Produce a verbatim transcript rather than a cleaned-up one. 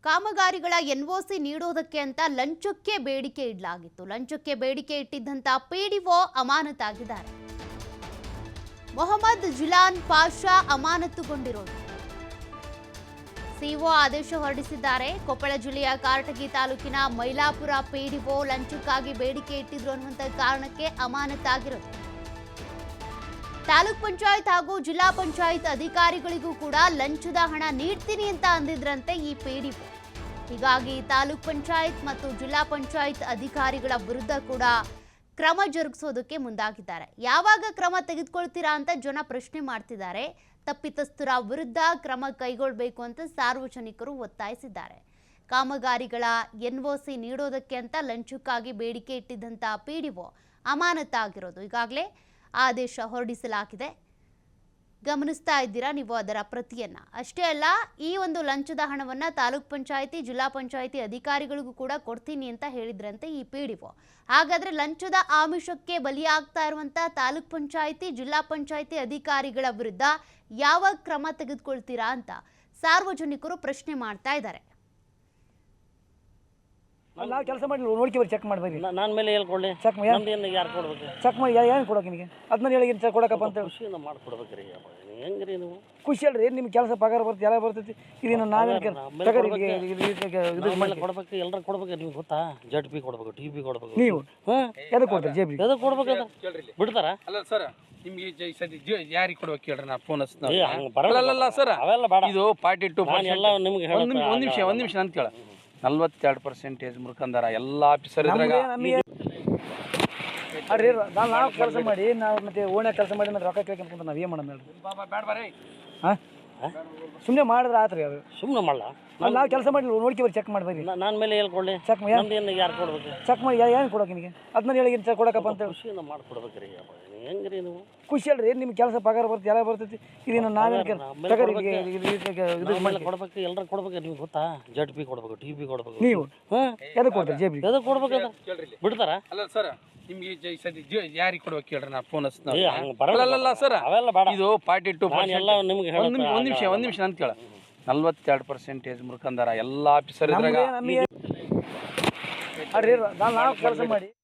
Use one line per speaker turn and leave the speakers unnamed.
ಕಾಮಗಾರಿಗಳ ಎನ್ಒಸಿ ನೀಡೋದಕ್ಕೆ ಅಂತ ಲಂಚಕ್ಕೆ ಬೇಡಿಕೆ ಇಡಲಾಗಿತ್ತು. ಲಂಚಕ್ಕೆ ಬೇಡಿಕೆ ಇಟ್ಟಿದ್ದಂತ ಪಿಡಿಒ ಅಮಾನತಾಗಿದ್ದಾರೆ. ಮೊಹಮ್ಮದ್ ಜಿಲಾನ್ ಪಾಷಾ ಅಮಾನತುಗೊಂಡಿರೋದು. ಸಿಒ ಆದೇಶ ಹೊರಡಿಸಿದ್ದಾರೆ. ಕೊಪ್ಪಳ ಜಿಲ್ಲೆಯ ಕಾರಟಗಿ ತಾಲೂಕಿನ ಮೈಲಾಪುರ ಪಿಡಿಒ ಲಂಚಕ್ಕಾಗಿ ಬೇಡಿಕೆ ಇಟ್ಟಿದ್ರು ಅನ್ನುವಂತ ಕಾರಣಕ್ಕೆ ಅಮಾನತಾಗಿರೋದು. ತಾಲೂಕ್ ಪಂಚಾಯತ್ ಹಾಗೂ ಜಿಲ್ಲಾ ಪಂಚಾಯತ್ ಅಧಿಕಾರಿಗಳಿಗೂ ಕೂಡ ಲಂಚದ ಹಣ ನೀಡ್ತೀನಿ ಅಂತ ಅಂದಿದ್ರಂತೆ ಈ ಪಿಡಿಒ. ಹೀಗಾಗಿ ತಾಲೂಕ್ ಪಂಚಾಯತ್ ಮತ್ತು ಜಿಲ್ಲಾ ಪಂಚಾಯತ್ ಅಧಿಕಾರಿಗಳ ವಿರುದ್ಧ ಕೂಡ ಕ್ರಮ ಜರುಗಿಸೋದಕ್ಕೆ ಮುಂದಾಗಿದ್ದಾರೆ. ಯಾವಾಗ ಕ್ರಮ ತೆಗೆದುಕೊಳ್ತೀರಾ ಅಂತ ಜನ ಪ್ರಶ್ನೆ ಮಾಡ್ತಿದ್ದಾರೆ. ತಪ್ಪಿತಸ್ಥರ ವಿರುದ್ಧ ಕ್ರಮ ಕೈಗೊಳ್ಳಬೇಕು ಅಂತ ಸಾರ್ವಜನಿಕರು ಒತ್ತಾಯಿಸಿದ್ದಾರೆ. ಕಾಮಗಾರಿಗಳ ಎನ್ಒಸಿ ನೀಡೋದಕ್ಕೆ ಅಂತ ಲಂಚಕ್ಕಾಗಿ ಬೇಡಿಕೆ ಇಟ್ಟಿದ್ದಂತ ಪಿಡಿಒ ಅಮಾನತಾಗಿರೋದು. ಈಗಾಗಲೇ ಆದೇಶ ಹೊರಡಿಸಲಾಗಿದೆ. ಗಮನಿಸ್ತಾ ಇದ್ದೀರಾ ನೀವು ಅದರ ಪ್ರತಿಯನ್ನ. ಅಷ್ಟೇ ಅಲ್ಲ, ಈ ಒಂದು ಲಂಚದ ಹಣವನ್ನ ತಾಲೂಕ್ ಪಂಚಾಯಿತಿ ಜಿಲ್ಲಾ ಪಂಚಾಯಿತಿ ಅಧಿಕಾರಿಗಳಿಗೂ ಕೂಡ ಕೊಡ್ತೀನಿ ಅಂತ ಹೇಳಿದ್ರಂತೆ ಈ ಪಿಡಿಒ. ಹಾಗಾದ್ರೆ ಲಂಚದ ಆಮಿಷಕ್ಕೆ ಬಲಿಯಾಗ್ತಾ ಇರುವಂತ ತಾಲೂಕ್ ಪಂಚಾಯಿತಿ ಜಿಲ್ಲಾ ಪಂಚಾಯಿತಿ ಅಧಿಕಾರಿಗಳ ವಿರುದ್ಧ ಯಾವ ಕ್ರಮ ತೆಗೆದುಕೊಳ್ತೀರಾ ಅಂತ ಸಾರ್ವಜನಿಕರು ಪ್ರಶ್ನೆ ಮಾಡ್ತಾ ಇದ್ದಾರೆ.
ನಾವು ಕೆಲಸ ಮಾಡಿ ನೋಡ್ಕಿ ಚೆಕ್ ಮಾಡ್ಬೇಕು.
ನನ್ನ ಮೇಲೆ ಹೇಳ್ಕೊಳ್ಳಿ,
ಚೆಕ್
ನಮ್ದು ಯಾರು ಕೊಡ್ಬೇಕು?
ಚೆಕ್ ಮಾಡಿ ಏನು ಕೊಡೋಕೆ ನಿನಗೆ ಅದನ್ನ ಹೇಳಿ ಚೆಕ್ ಕೊಡಕಪ್ಪ ಅಂತ
ಖುಷಿಯಿಂದ ಮಾಡ್ಕೊಡ್ಬೇಕ್ರಿ. ಹೆಂಗ್ರಿ ನೀವು
ಖುಷಿ ಅಲ್ರಿ, ನಿಮ್ಗೆ ಕೆಲಸ ಪಗಾರ ಬರ್ತದೆ ಎಲ್ಲ ಬರ್ತೈತಿ. ಇದನ್ನ ನಾವೇನು
ಕೊಡ್ಬೇಕು, ಎಲ್ಲರೂ ಕೊಡ್ಬೇಕು. ನಿಮ್ಗೆ ಗೊತ್ತಾ? ಜಡ್ ಪಿ ಕೊಡ್ಬೇಕು, ಟಿ ಪಿ ಕೊಡ್ಬೇಕು.
ನೀವು ಎದಕ್ಕೆ ಕೊಡ್ತೀರಿ? ಜೇಬಿ
ಎದಕ್ಕೆ ಕೊಡ್ಬೇಕಂತ ಬಿಡ್ತಾರ?
ಅಲ್ಲ ಸರ್, ನಿಮ್ಗೆ ಯಾರಿಗೆ ಕೊಡ್ಬೇಕು ಹೇಳ್ರಿ? ನಾ ಫೋನ್
ಬರಲ್ಲ
ಸರ್,
ಅವೆಲ್ಲ ಬೇಡ.
ಇದು ಫಾರ್ಟಿ ಟು
ಎಲ್ಲ ನಿಮ್ಗೆ
ಒಂದ್ ನಿಮಿಷ ಒಂದ್ ನಿಮಿಷ ಅಂತ ಕೇಳ. ನಲ್ವತ್ತೆರಡು ಪರ್ಸೆಂಟೇಜ್ ಮುರ್ಕಂದಾರ ಎಲ್ಲ ಆಫೀಸರ್ ಇದ್ರಾಗ.
ಅಡ್ರಿ ನಾವು ಕೆಲಸ ಮಾಡಿ ನಾವು ಮತ್ತೆ ಓಣ್ಯಾಗ ಕೆಲಸ ಮಾಡಿ ಮತ್ತೆ ರೊಕ್ಕ ಕೇಳ್ಕೊಂತ ನಾವು ಏನು ಮಾಡೋಣ ಹೇಳ್ರಿ?
ಬೇಡ ಬರ್ರಿ.
ಹಾಂ ಸುಮ್ಮನೆ ಮಾಡಿದ್ರೆ ಆತ್ರಿ ಅದು.
ಸುಮ್ಮನೆ ಮಾಡಲ್ಲ,
ನಾವು ಕೆಲಸ ಮಾಡಿ ನೋಡ್ಕಿ ಬರ್ರಿ ಚೆಕ್ ಮಾಡ್ಬೇಕು.
ನನ್ನ ಮೇಲೆ ಹೇಳ್ಕೊಳ್ಳಿ,
ಚೆಕ್
ನಮ್ದು ಯಾರು ಕೊಡ್ಬೇಕು?
ಚೆಕ್ ಮಾಡಿ ಏನು ಕೊಡೋಕೆ ನಿನಗೆ ಅದನ್ನ ಹೇಳಿ ಚೆಕ್ ಕೊಡಕಪ್ಪ ಅಂತ ಹೇಳಿ
ಖುಷಿಯಿಂದ ಮಾಡ್ಕೊಡ್ಬೇಕ್ರಿ. ಹೆಂಗ್ರಿ ನೀವು?
ಖುಷಿ ಅಲ್ರಿ, ನಿಮ್ಗೆ ಕೆಲಸ ಪಗಾರ ಬರ್ತದೆ ಎಲ್ಲ ಬರ್ತೈತಿ. ಇದನ್ನ ನಾವೇನು
ಕೊಡ್ಬೇಕು, ಎಲ್ಲರೂ ಕೊಡ್ಬೇಕು. ನಿಮ್ಗೆ ಗೊತ್ತಾ? ಜಡ್ ಪಿ ಕೊಡ್ಬೇಕು, ಟಿ ಪಿ ಕೊಡ್ಬೇಕು.
ನೀವು ಎದಕ್ಕೆ ಕೊಡ್ತೀರಿ? ಜೇಬಿ
ಎದಕ್ಕೆ ಕೊಡ್ಬೇಕಂತ ಬಿಡ್ತಾರ?
ಅಲ್ಲ ಸರ್, ನಿಮ್ಗೆ ಯಾರಿಗೆ ಕೊಡ್ಬೇಕು ಹೇಳ್ರಿ? ನಾ ಫೋನ್
ಬರಲ್ಲ
ಸರ್,
ಅವೆಲ್ಲ ಬೇಡ.
ಇದು ಫಾರ್ಟಿ ಟು
ಎಲ್ಲ ನಿಮ್ಗೆ
ಒಂದ್ ನಿಮಿಷ ಒಂದ್ ನಿಮಿಷ ಅಂತ ಕೇಳ. ನಲ್ವತ್ತೆರಡು ಪರ್ಸೆಂಟೇಜ್ ಮುರ್ಕಂದಾರ ಎಲ್ಲ ಆಫೀಸರ್ ಇದ್ರಾಗ.
ಅಡ್ರಿ ನಾವು ಕೆಲಸ ಮಾಡಿ